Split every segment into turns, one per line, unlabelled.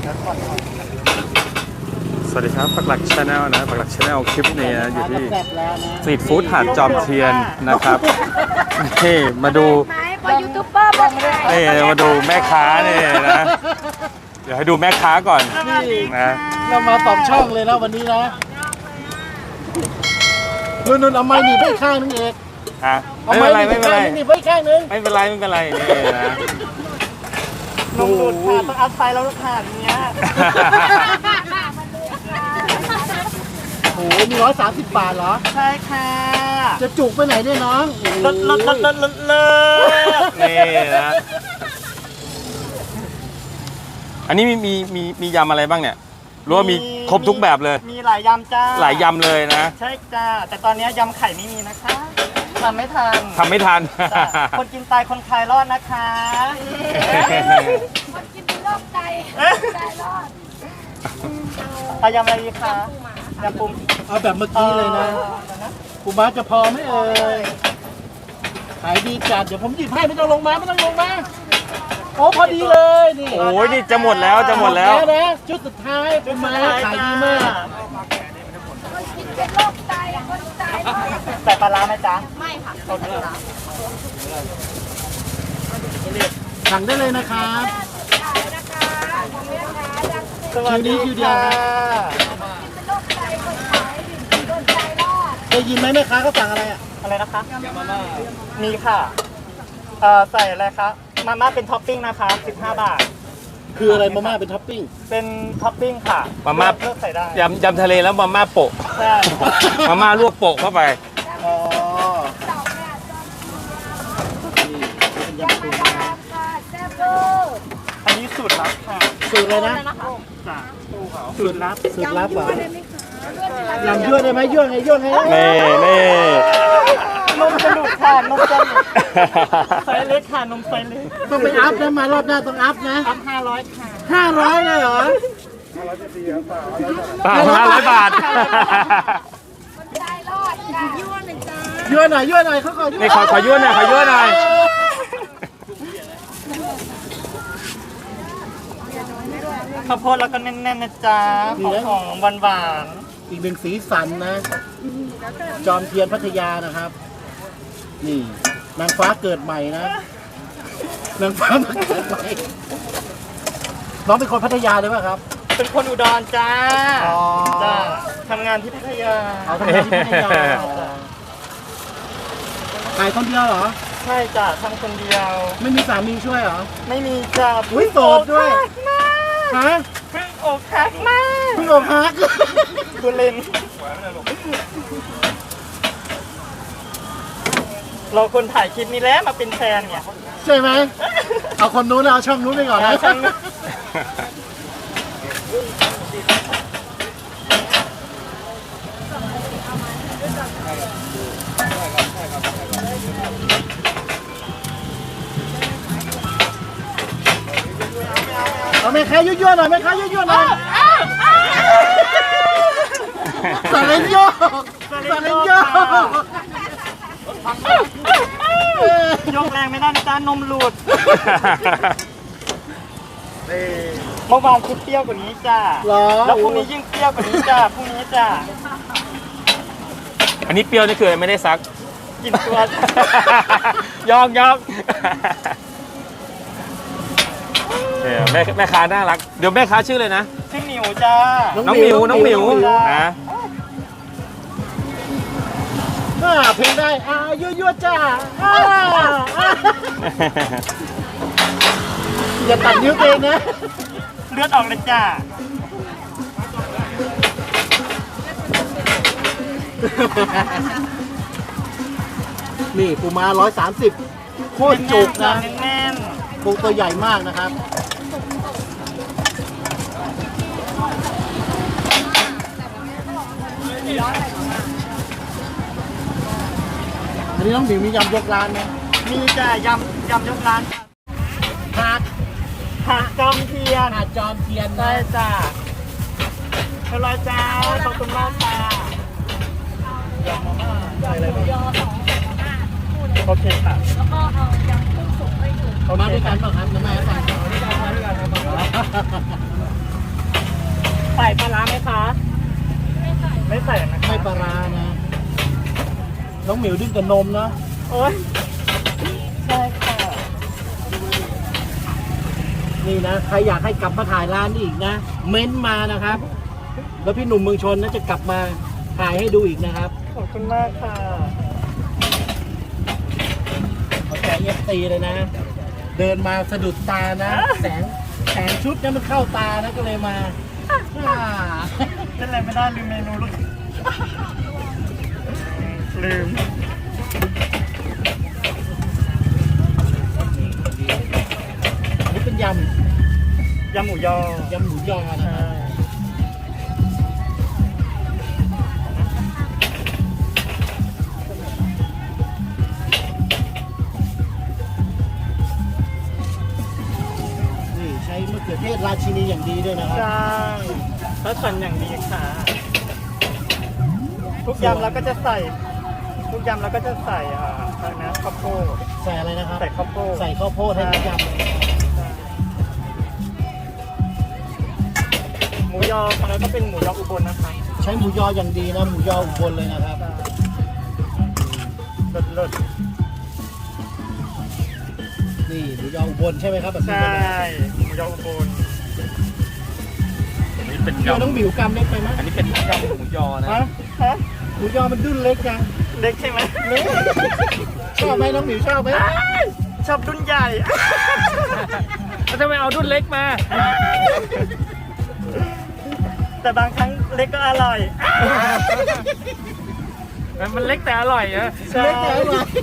สวัสดีครับปักหลักชาแนลนะปักหลักชาแนลคลิปนี้นะอยู่ที่สตรีทฟู้ดหาดจอมเทียนนะครับนี่มาดู
ยูทูบเบอร์บอกเลย
นี่มาดูแม่ค้านี่นะเดี๋ยวให้ดูแม่ค้าก่อนนะ
เรามา2 ช่องเลยนะวันนี้นะนุ่นเอาไม้หนีบไปข้างนึงเอก
ฮะ
เอา
ไม่
ไม้
เป็นไร
หนี
ไม่
บ
เป็นไร
ไปข้างนึง
ไม่เป็นไรไม่เป็นไรนี่นะ
ลงดูดค่ะต้องเอาไฟแล้วค่ะเนี้ย
โอ้โหมี130 บาทเหรอ
ใช่ค่ะ
จะจุกไปไหนเนี่ยน้อง
ลด
นี่นะอันนี้มียำอะไรบ้างเนี่ยรู้ว่ามีครบทุกแบบเลย
มีหลายยำจ้า
หลายยำเลยนะ
ใช่จ้าแต่ตอนนี้ยำไข่ไม่มีนะคะทำไม่ทัน
ทำไม่ทัน
จ้ะคนกินตายคนคลายรอดนะคะ
คนกินเป็นโรคไตไตรอด
เอายำอะไรดีคะยำปู
เอาแบบเมื่อกี้เลยนะกูมาจะพอไหมเอ่ยขายดีจัดเดี๋ยวผมหยิบให้ไม่ต้องลงมาโอ้พอดีเลยนี่
โอ้ยนี่จะหมดแล้วจะหมดแล้ว
นะชุดสุดท้ายเป็นมาขายดีมาก
คนกินเป็นโรคไตคนไตรอด
ใส่ปลาร้าไหมจ๊ะ
ไม่ค่ะ
โอเคค่ะ
สั่งได้เลยนะครับ
ขายนะคะของแม่ค้ายัง
สวัสดี
คิวเดียว
ค่ะ
กินเป็นโรคไตคนขายคนไตรอด
ได้ยินไหมแม่ค้าเขาสั่งอะไรอ่ะ
อะไรนะคะมีค่ะใส่อะไรคะมาม่าเป็นท็อปปิ้งนะคะ15 บาท
คืออะไรมาม่าเป็นท็อปปิ้ง
เป็นท็อปปิ้งค่ะ
มาม่า
เลือกใส่ได้
ยำทะเลแล้วมาม่าโปะ
ใช่
มาม่าลวกโปะเข้าไป
อ๋อ
เต่าเนี่ย
นี่เป็นยำปู
จอมค่ะแซ่บเวอร์
อันนี้สูตรลับค่ะ
สูตรเลยนะ
จ้ะสูตรลับ
สูตรลับเหรอยำยั่วได้ไหมยั่วไงยั่วไง
นี่
นมจะหลุดค่ะนมจะหลุดไซส์เล็กค่ะนมไซส์เล็ก
ต้องไปอัพนะมารอบหน้าต้องอัพนะ
อัพ500ค่ะ
500เลยเหรอ
500 บาท
คนไตรอดค่ะยั่วหนึ่งจ้า
ยั่วหน่อยเขาขอยั่ว
นี่ขอยั่วหน่อยขอยั่วหน่อย
ข้าวโพดแล้วก็แน่นๆนะจ๊ะของหวาน
อีกหนึ่งสีสันนะ จอมเทียนพัทยานะครับ นี่นางฟ้าเกิดใหม่นะนางฟ้ามาเกิดใหม่น้องเป็นคนพัทยาเลยป่ะครับ
ๆเป็นคนอุดรจ้า
อ๋อ
จ้าทำงานที่พัทยา
เอาทำงานที่พัทยาขายคนเดียวเหรอ
ใช่จ้ะทำคนเดียว
ไม่มีสามีช่วยเหรอ
ไม่มีจ้ะ
อุ๊ยโสดด้วย ฮะ
เพิ่งอกหักมาก
เพิ่งอกหัก
บุเรนเราคนถ่ายคลิปนี้แล้วมาเป็นแฟนเนี่ย
ใช่ไหม เอาคนนู้นแล้วเอาช่องนู้นไปก่อนนะ
ช่องนู้น
เอาแม่ค้ายั่วๆหน่อยแม่ค้ายั่วๆหน่อยสาเลนโยก
ยกแรงไม่ได้นะจ้านมหลุดเมื่อวานคิดเปรี้ยวกว่านี้จ้า
เหรอ
แล้วพรุ่งนี้ยิ่งเปรี้ยวกว่านี้จ้าพรุ่งนี้จ้า
อันนี้เปรี้ยวนี่คือไม่ได้ซัก
กินตัว
ยอกเนี่ยแม่ค้าน่ารัก เดี๋ยวแม่ค้าชื่อเลยนะ
ชื่อหมิวจ้า
น้องหมิวนะ
เพลงได้ยั่วๆจ้าอย่าตัดนิ้วตัวเองนะ
เลือดออกเลยจ้า
นี่ปูม้า130โคตรจุกนะ
แน่น
ปูตัวใหญ่มากนะครับอันนี้น้องหมิวมียำยกร้านไหม
ๆมีจ้ายำยกร้าน
หาด
ผักจอมเทียน
หาดจอมเทียน
ได้
นะ
จ้าเรียบร้อยจ้าขอบคุณมากค่ะโอเคค่ะ
แล้วก็เอายำกุ้งสุกให้ดู
เขามาด้วยกันเปล่ะครับน้ำแม่สั่ง
ปลาร้าไหมคะไม่ใส่นะคะ
ไม่ปลาร้านะ น้องหมิวดิ้นกับนมเนาะ
โอ๊ยใช่ค่ะ
นี่นะใครอยากให้กลับมาถ่ายร้านนี้อีกนะ เม้นต์มานะครับ แล้วพี่หนุ่มเมืองชนน่าจะกลับมาถ่ายให้ดูอีกนะครับ
ขอบคุณมากค่ะ
เขาแจกเอฟตีเลยนะ เดินมาสะดุดตานะ แสงชุดเนี่ยมันเข้าตานะก็เลยมาอ่า
เป็นไรไม่ได้ลืมเมนูลูกลืม
อันนี้เป็นย
ยำหมูยอ
ำหมูยอนะครับนี่ใช้มะเขือเทศราชินีอย่างดีด้วยนะครับ
ใช่ถ้าสั่นอย่างดีค่ะ ทุกยำเราก็จะใส่ ทุกยำเราก็จะใส่อะไรนะข้าวโพด
ใส่อะไรนะครับ
ใส่ข้าวโพด
ใส่ข้าวโพดให้ทุกยำเลย
หมูยอของเราก็เป็นหมูยออุบลนะคะ
ใช้หมูยออย่างดีนะ หมูยออุบลเลยนะครับ
เลิศ
นี่หมูยออุบลใช่ไหมครับแบบ
ๆ
นี้
ใช่
เลยนะ
หมูยออุบล
อันนี้เป็น
เดี๋ยวน้อง
ยำ
หมิวกำเล็กไปไหม
อันนี้เป็นยำหมูยอนะ
ฮะฮะ
หมูยอมันดุ้นเล็กจัง
เล็กใช่ไหม
เล็กชอบไหมน้องหมิวชอบไหม
ชอบรุ่นใหญ่
แล้วทำไมเอารุ่นเล็กมา
แต่บางครั้งเล็กก็อร่อย
มันเล็กแต่อร่อยนะ
ใช่
เล็กแต่อร่อย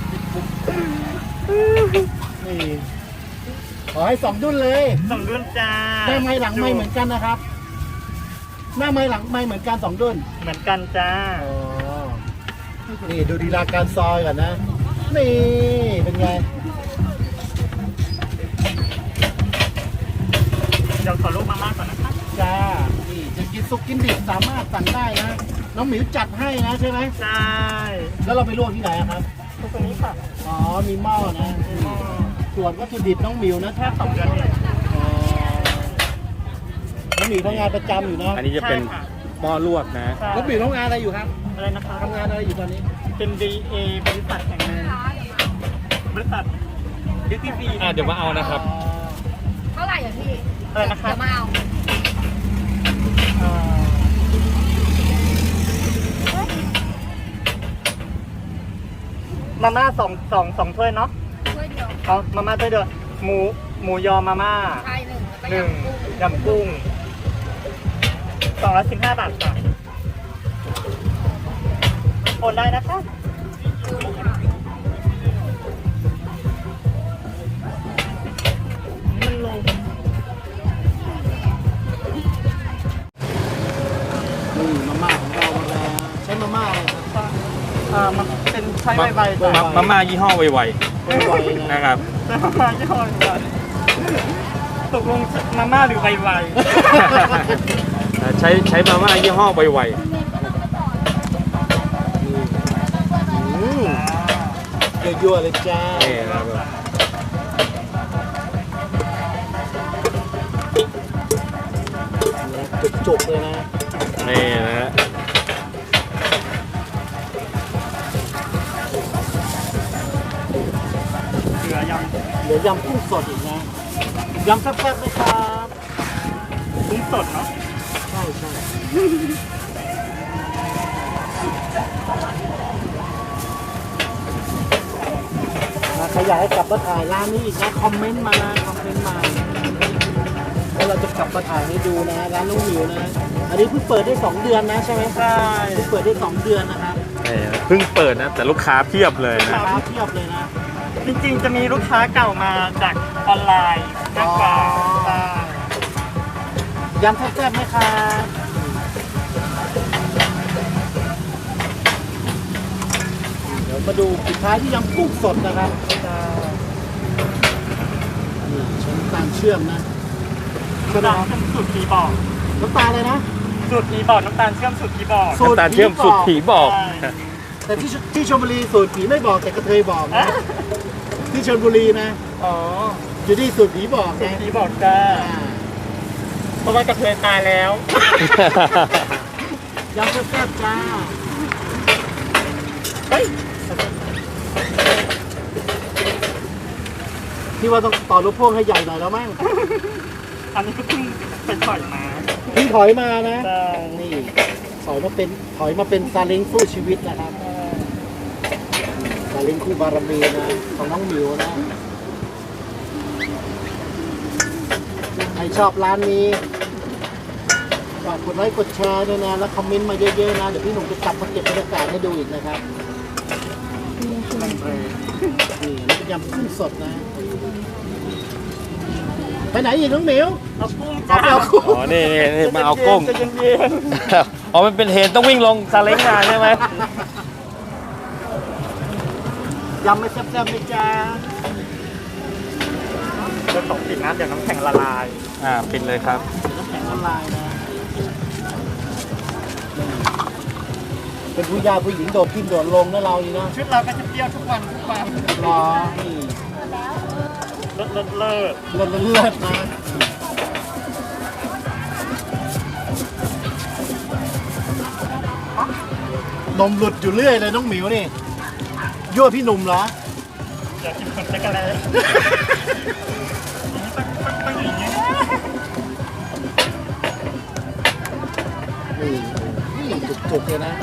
นี่ขอให้สองดุ้นเลย
สมดุลจ้า
หน้าไม้หลังไม้เหมือนกันนะครับ หน้าไม้หลังไม้เหมือนกันสองดุ้น
เหมือนกันจ้า
อ๋อนี่ดูดีลาการซอยก่อนนะ นี่เป็นไง
เดี๋ยวขอลูกมาม่าก่อนนะคะ
จ้า นี่จะกินสุกกินดิบสามารถสั่งได้นะ น้องหมิวจัดให้นะใช่ไหม
ใช่
แล้วเราไปลวกที่ไหนอะครับ
ทุกคนนี้ค่ะ
อ๋อ มีหม้อนะ ส่วนวัตถุดิบน้องหมิวนะ
แค่2 เดือนเอง
อ๋อน้องหมิวทำงานประจำอยู่นะ
อันนี้จะเป็น
ใช่ค่ะ
หม้อลวกนะ
ใช่
น้องหมิวทำงานอะไรอยู่ครับ
อะไรนะคะ
ทำงานอะไรอยู่ตอนนี้
เป็น DA บริษัทแห่งหนึ่งบริษัทดิสตี้ฟรี
เดี๋ยวมาเอานะครับ
เท่าไหร่อ่ะพี่
อะไรนะคะ
เดี๋ยวมาเอา
มาม่าสองถ้วยเนาะ
ช่วยเดียว
เอามาม่าถ้วยเดียวหมูยอมาม่า
ชายหนึ่งแล้วก็
1 ยำกุ้ง215 บาทค่ะโอนได้นะคะ มันลง
นี่มาม่าของเรามาแล้วใช้มาม่าอะไรครับ
มันเป็นใช้ใบๆจ้ะ
มาม่ายี่ห้อไว
ไว
ๆ
ๆ
นะ
นะครับ
แต่มาม่ายี่ห้อใหญ่ตกลงมาม่าหรือใบ
ใช้มาม่ายี่ห้อไว
อืมยั่วๆเลยจ้า
ๆนี่นะครับ
จุกๆเลยนะ
นี่นะฮะ
เหลือยำ
เหลือยำกุ้งสดอีกนะยำแซ่บๆเลยครับ
กุ้งสดเนาะ
ใช่ใช่ใครอยากให้กลับมาถ่ายร้านนี้อีกนะคอมเมนต์มานะคอมเมนต์มาแล้วเราจะกลับมาถ่ายให้ดูนะร้านลุงหมิวนะ อันนี้เพิ่งเปิดได้2 เดือนนะใช่ไหม
ใช่
เพิ่งเปิดได้2 เดือนนะครับ
นี่เพิ่งเปิดนะ แต่ลูกค้าเพียบเลยนะ
ร้านเทียบเลยนะ
จริงๆจะมีลูกค้าเก่ามาจากออนไลน์มากกว่า
อ๋อ
ใช่
ยำแซ่บๆไหมครับเดี๋ยวมาดูปิดท้ายที่ยำกุ้งสดนะครับนี่ใช้น้ำตาลเชื่อมนะใช่ไหม
น้ำตาล
ครับ
เชื่อมสูตรผีบอก
น้ำตาลเลยนะ
สูตรผีบอกน้ำตาลเชื่อมสูตรผีบอก
สูตร
น้ำตาลเชื่อมสุดผีบอก
ใช่
แต่ที่ชลบุรีสูตรผีไม่บอกแต่กระเทยบอกนะ ที่ชลบุรีนะ
อ๋อ
อยู่ที่สูตรผีบอก
สูต
นะ
รผีบอกจ้า
อ่า
เพราะว่ากระเทยตายแล้ว
ยำแซ่บๆจ้า
เฮ้ย
พี่ว่าต้องต่อรถพ่วงให้ใหญ่หน่อยแล้วมั้ง
อันนี้ก็เพิ่งไปถอยมา
พี่ถอยมานะ
ใช่
นี่ถอยมาเป็นซาเล้งสู้ชีวิตนะครับซาเล้งคู่บารมีนะของน้องหมิวนะใครชอบร้านนี้ฝากกดไลค์กดแชร์ด้วยนะแล้วคอมเมนต์มาเยอะๆนะเดี๋ยวพี่หนุ่มจะกลับมาเก็บบรรยากาศให้ดูอีกนะครับนี่นี่เป็นยำกุ้งสดนะ ไปไหนอีกน้องหมิว
เอากุ้ง
เอา
จ้า
ไปเอากุ้ง
อ๋อ นี่มาเอากุ้ง
จะเย็น
อ๋อ มันเป็นเหตุต้องวิ่งลงซาเล้งมาใช่ไหม
ยำไม่แซ่บๆไหม่จ้า
ๆเดี๋ยวของปิดนะเดี๋ยวน้ำแข็งละลาย
ปิดเลยครับ
น้ำแข็งละลายนะเป็นผู้ยาผู้หญิงโดดขึ้นโดดลงนะเรานี่นะ
ชุดเราก็จะเปรี้ยวทุกวันทุกวัน
รอนี่
เลิศเลิศเลิศ
เลือดเลือดนะนมหลุดอยู่เรื่อยเลยน้องหมิวนี่ยั่วพี่หนุ่มเหรอ
อยากกินคนเล็กอะไรต้องอย่างนี้
นี่จุกๆเลยนะ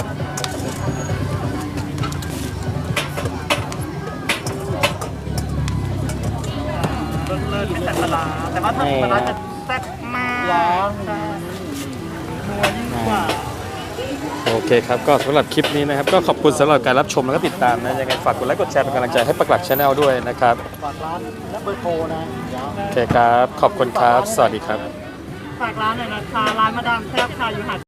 เลิศเลิศไม่แต่ปลาร้าแต่ว่าถ้าปลาร้าจะแซ่บมาก
ร้อน
ใช่นัวยิ่งกว่า
โอเคครับ ก็สำหรับคลิปนี้นะครับ ก็ขอบคุณสำหรับการรับชมแล้วก็ติดตามนะ ยังไงฝากกดไลค์กดแชร์เป็นกำลังใจให้ปักหลักชาแนลด้วยนะครับ
ฝากร้านและเบอร์โทรนะเดี๋ยว
โอเคครับ ขอบคุณครับ สวัสดีครับ
ฝากร้านหน่อยนะคะร้านมาดามแซ่บค่ะอยู่หาด